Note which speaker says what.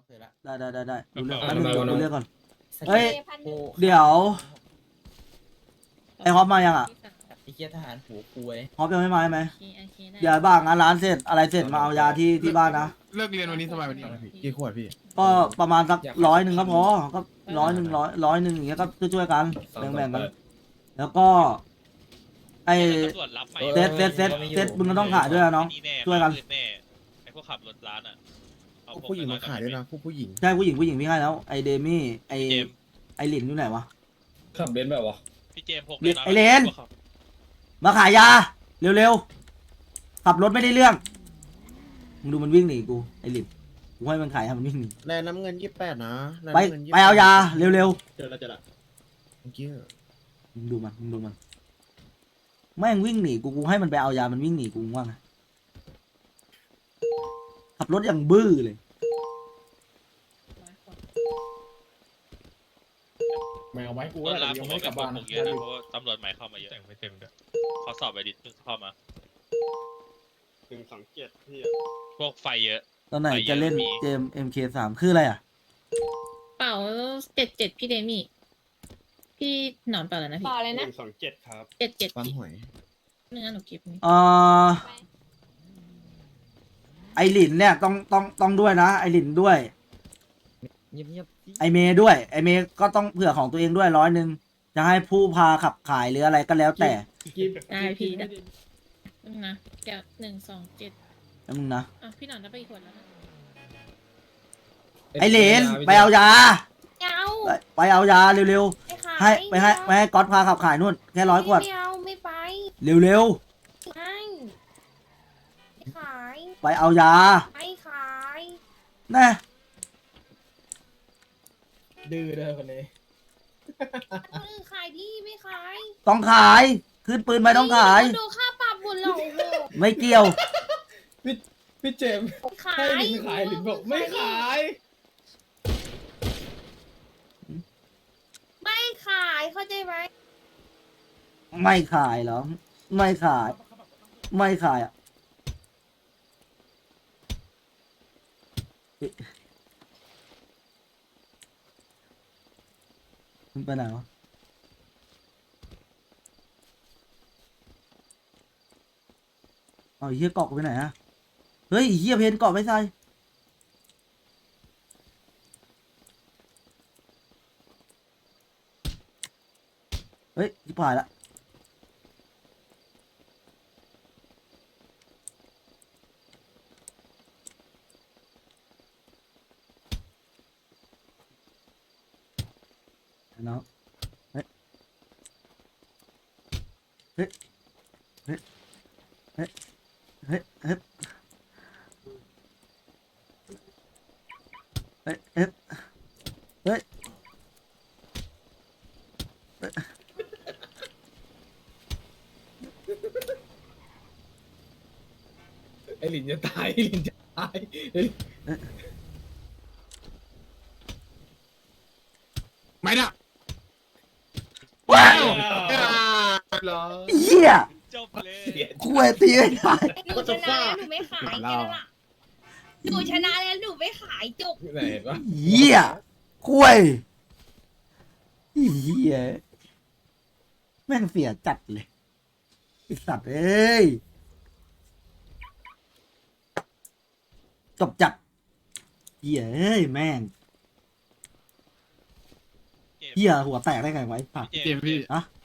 Speaker 1: เคยละ
Speaker 2: ได้ดูเรื่อง
Speaker 3: เอา
Speaker 2: แป๊บนึง
Speaker 3: เอา
Speaker 2: ดู
Speaker 3: เอา
Speaker 2: เรื่องก่อน
Speaker 1: สกิล
Speaker 2: เฮ้ย
Speaker 1: โอ้
Speaker 2: เดี๋ยวไอ้ฮอปมายังอ่ะ
Speaker 1: ไอ้เหี้ยทหารหัวคุย
Speaker 2: ฮอปยังไม่มาใช่ไหม
Speaker 4: โอเคได้
Speaker 2: เดี๋ยวบ้างงานร้านเสร็จอะไรเสร็จมาเอายาที่บ้านนะ
Speaker 3: เลิกเรียนวันนี้สบายวันนี้กี่ขวดพี่
Speaker 2: ก็ประมาณสัก100ก็พอก็100อย่างเงี้ยก็ช่วยๆกันแบ่งๆกัน แล้วก็ ไอ
Speaker 5: ตำรวจรับไหม
Speaker 2: เซ็ตมึงก็ต้องขายด้วยนะน้อง
Speaker 5: นี่แน่
Speaker 2: ช่วยกัน
Speaker 5: แน่ไอพวกขับรถร้านอ่ะเอา
Speaker 3: ผู้หญิงมาขายด้วยนะผู้หญิง
Speaker 2: ใช่ผู้หญิงพี่ให้แล้วไอเดมี่ไอ
Speaker 5: เจมส์
Speaker 2: ไอหลินอยู่ไหนวะ
Speaker 6: ขับเบนซ์แบบวะ
Speaker 5: พี่เจมส์พก
Speaker 2: ไอ้เลน มาขายยาเร็วๆขับรถไม่ได้เรื่องมึงดูมันวิ่งหนีกูไอหลินกูให้มันขายให้มันวิ่งหนี
Speaker 3: แลน้ำเงิน28นะ
Speaker 2: ไปเอายาเร็ว
Speaker 6: เจอแล้ว
Speaker 3: เมื่อกี้
Speaker 2: ๆมึงดูมันแม่งวิ่งหนีกูให้มันไปเอายามันวิ่งหนีกูว่าไงขับรถอย่างบื้อเลย
Speaker 6: ไม่เอาไว้กู
Speaker 5: ร
Speaker 6: ว่า
Speaker 5: ถร้าน
Speaker 6: ยั
Speaker 5: ผ
Speaker 6: ง
Speaker 5: ม
Speaker 6: ไม่
Speaker 5: ก็
Speaker 6: กลับบ้าน
Speaker 5: พ
Speaker 6: นะ
Speaker 5: กเยอะนะเพราะว่าตำรวจใหม่เข้ามาเยอะแต่งไม่เต็มด้วยเขาสอบไปดิเพิ่งเข้ามา
Speaker 6: 127พี่
Speaker 5: พวกไฟเยอะ
Speaker 2: ตอนไหน
Speaker 5: ไปเยอะ
Speaker 2: จะเล่น
Speaker 5: มี
Speaker 2: เกม MK3 คืออะไรอ่ะ
Speaker 4: เป่า77พี่เดมี่พี่หนอนเป่าแล้วนะพี่
Speaker 7: ต่อเลยนะ
Speaker 6: 127ครับ
Speaker 4: 77
Speaker 3: ปั๊ม
Speaker 4: พี่
Speaker 3: หอย
Speaker 4: เนื้อหนูเก็บนี่
Speaker 2: เอ่อไอหลินเนี่ยต้องด้วยนะ ไอหลินด้วย
Speaker 1: เงียบ
Speaker 2: ไอเมย์ด้วย ไอเมย์ก็ต้องเผื่อของตัวเองด้วย100จะให้ผู้พาขับขายหรืออะไรก็แล้วแต่
Speaker 4: ได้พี่ได้นะแก้ว127
Speaker 2: แล้วมึงนะ
Speaker 4: อ่ะพี่หนอนได้ไปอีกขวดแล้วนะ
Speaker 2: ไอหลินไปเอายา
Speaker 7: ไม่เอา
Speaker 2: ไปเอายาเร็ว
Speaker 7: ไม่ขาย
Speaker 2: ๆให้ก๊อตพาขับขายนู่นแค่100 ขวด
Speaker 7: ไม่เอาไม่ไป
Speaker 2: เร็ว
Speaker 7: ไม่ไม่ขาย
Speaker 2: ๆไปเอายา
Speaker 7: ไม่ขาย
Speaker 2: แน่
Speaker 6: ดื้อเลยคนนี้
Speaker 7: คนอื่นขายดีไม่ขาย
Speaker 2: ต้องขายขึ้นปืนไปต้องขาย
Speaker 7: ดูค่าปรับหมดแล้วโอ้โห
Speaker 2: ไม่เกี่ยว
Speaker 6: พี่เจมส์
Speaker 7: ขาย
Speaker 6: ให้หลินขายหลินบอกไม่ขาย
Speaker 7: ไม่ขายเข้าใจไหม
Speaker 2: ไม่ขายเหรอไม่ขายอ่ะเอ๊ะมันไปไหนวะเอาไอ้เหี้ยเกาะกูไปไหนอะเฮ้ยไอ้เหี้ยเพนเกาะไม่ใส่เฮ้ยชิบหายละน้องเฮ้ยเฮ้ยเฮ้ยเฮ้ยเฮ้ยเฮ้ยเฮ้ยเฮ้ยเฮ้ย
Speaker 6: ไอหลินจะตายไอหลินจะตาย
Speaker 3: ไม่นะ
Speaker 2: ว้าว
Speaker 3: เหรอ
Speaker 2: เหี้ย
Speaker 5: จบเลย
Speaker 2: คุยตีไม่ได้
Speaker 7: หนูชนะแล้วหนูไม่ขายแค่นั้นล่ะหนูชนะแล้วหนูไม่ขายจบ
Speaker 6: ไหนเห็นปะ
Speaker 2: เหี้ยคุยเหี้ยแม่งเสียจัดเลยไอสัตว์เอ้ยจบจัดเหี้ยเอ้ยแม่งเหี้ยหัวแตกได้ไงไวะไอ้สัตว์
Speaker 5: พี่
Speaker 3: เจมส์พี่
Speaker 2: อะ